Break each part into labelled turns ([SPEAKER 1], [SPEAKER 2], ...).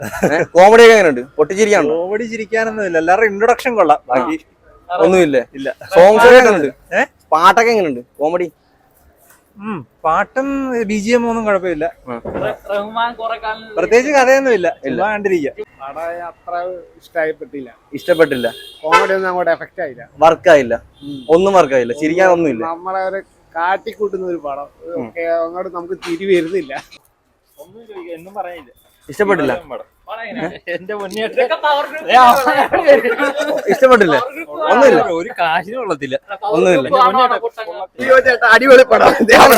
[SPEAKER 1] Comedy ഒക്കെ എങ്ങനെയുണ്ട്? പൊട്ടിച്ചിരിക്കാണോ?
[SPEAKER 2] Comedy ചിരിക്കാനൊന്നുമില്ല, എല്ലാവരും ഇൻട്രൊഡക്ഷൻ കൊള്ളാം, ബാക്കി
[SPEAKER 1] ഒന്നുമില്ലേ?
[SPEAKER 2] ഇല്ല.
[SPEAKER 1] സോങ്സ് ഒക്കെ എങ്ങനെയുണ്ട്? പാട്ടൊക്കെ എങ്ങനെയുണ്ട്? കോമഡി
[SPEAKER 2] പാട്ടും BGM ഒന്നും കുഴപ്പമില്ല, പ്രത്യേകിച്ച് കഥയൊന്നുമില്ല, എല്ലാം കണ്ടിരിക്കുക.
[SPEAKER 3] അത്ര
[SPEAKER 1] ഇഷ്ടപ്പെട്ടില്ല.
[SPEAKER 3] കോമഡി ഒന്നും അങ്ങോട്ട് എഫക്റ്റ് ആയില്ല,
[SPEAKER 1] വർക്കായില്ല, ഒന്നും വർക്കായില്ല, ചിരിക്കാൻ ഒന്നുമില്ല.
[SPEAKER 3] നമ്മളെ ഒരു കാട്ടിക്കൂട്ടുന്ന ഒരു പടം അങ്ങോട്ട് നമുക്ക് തിരി വരുന്നില്ല.
[SPEAKER 2] ഒന്നും പറയാനില്ല,
[SPEAKER 1] ഇഷ്ടപ്പെട്ടില്ല.
[SPEAKER 2] എന്റെ
[SPEAKER 1] ഇഷ്ടപ്പെട്ടില്ല, ഒന്നുമില്ല,
[SPEAKER 2] ഒരു കാശിനും കൊള്ളത്തില്ല,
[SPEAKER 1] ഒന്നുമില്ല.
[SPEAKER 3] അടിപൊളി പടം.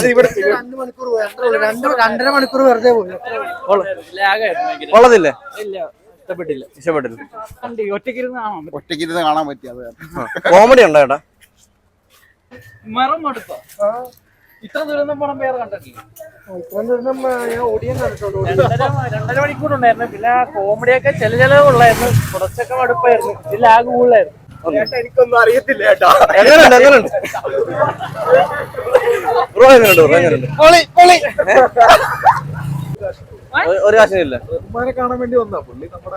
[SPEAKER 4] 2.5 മണിക്കൂർ വെറുതെ പോയി.
[SPEAKER 1] കൊള്ളത്തില്ലേ?
[SPEAKER 2] ഇഷ്ടപ്പെട്ടില്ല.
[SPEAKER 3] ഒറ്റയ്ക്കിരുന്ന് കാണാൻ പറ്റി. അത്
[SPEAKER 1] കോമഡി ഉണ്ടോ ചേട്ടാ?
[SPEAKER 2] ഇത്ര ദുരന്തം പടം പേര് കണ്ടിട്ടില്ല.
[SPEAKER 4] ഞാൻ ഓടിയാൻ കണ്ടിട്ടുള്ളൂ.
[SPEAKER 2] 2.5 മണിക്കൂറുണ്ടായിരുന്നു. പിന്നെ കോമഡിയൊക്കെ ചില ഉള്ളായിരുന്നു, കുറച്ചൊക്കെ മടുപ്പായിരുന്നു, ഇതിൽ ആകെ കൂടുതലായിരുന്നു.
[SPEAKER 3] എനിക്കൊന്നും അറിയത്തില്ല കേട്ടോ.
[SPEAKER 1] എങ്ങനെയുണ്ട്? എങ്ങനെയുണ്ട് ബ്രോ? എങ്ങനെയുണ്ട്? ഒരു കാശിനില്ല.
[SPEAKER 5] റഹ്മാനെ കാണാൻ വേണ്ടി വന്നാ പുള്ളി. നമ്മുടെ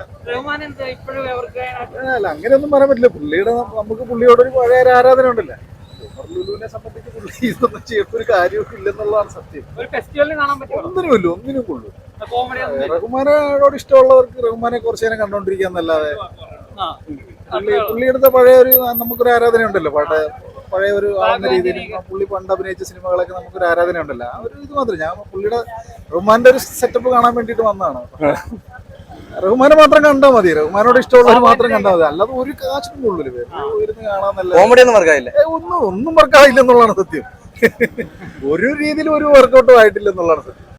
[SPEAKER 5] അല്ല, അങ്ങനെയൊന്നും പറയാൻ പറ്റില്ല. പുള്ളിയുടെ നമുക്ക് പുള്ളിയോടൊരു പഴയ ഒരു ആരാധന ഉണ്ടല്ലോ. ലുലുവിനെ സംബന്ധിച്ച് പുള്ളി ഇതൊന്നും ചെയ്യുന്ന ഒരു കാര്യമൊക്കെ ഇല്ലെന്നുള്ളതാണ് സത്യം. ഒന്നിനും കൊള്ളു. റഹ്മാനോട് ഇഷ്ടമുള്ളവർക്ക് റഹ്മാനെ കുറച്ചു നേരം കണ്ടോണ്ടിരിക്കാന്നല്ലാതെ പുള്ളിയെടുത്ത പഴയ ഒരു നമുക്കൊരു ആരാധന ഉണ്ടല്ലോ, പഴയ ഒരു ആവുന്ന രീതിയിൽ പുള്ളി പണ്ട് അഭിനയിച്ച സിനിമകളൊക്കെ നമുക്കൊരു ആരാധന ഉണ്ടല്ലോ. ആ ഒരു ഇത് മാത്രം. ഞാൻ പുള്ളിയുടെ റഹ്മാന്റെ ഒരു സെറ്റപ്പ് കാണാൻ വേണ്ടിട്ട് വന്നതാണ്. റഹ്മാനെ മാത്രം കണ്ടാൽ മതി, റഹ്മാനോട് ഇഷ്ടമുള്ളവർ മാത്രം കണ്ടാൽ മതി, അല്ലാതെ ഒരു കാശിനും കൊള്ളൂല. ഇരുന്ന് കാണാന്നല്ല,
[SPEAKER 1] കോമഡി ഒന്നും വർക്കായില്ല,
[SPEAKER 5] ഒന്നും വർക്കായില്ല എന്നുള്ളതാണ് സത്യം. ഒരു രീതിയിലും ഒരു വർക്കൗട്ടും ആയിട്ടില്ല എന്നുള്ളതാണ് സത്യം.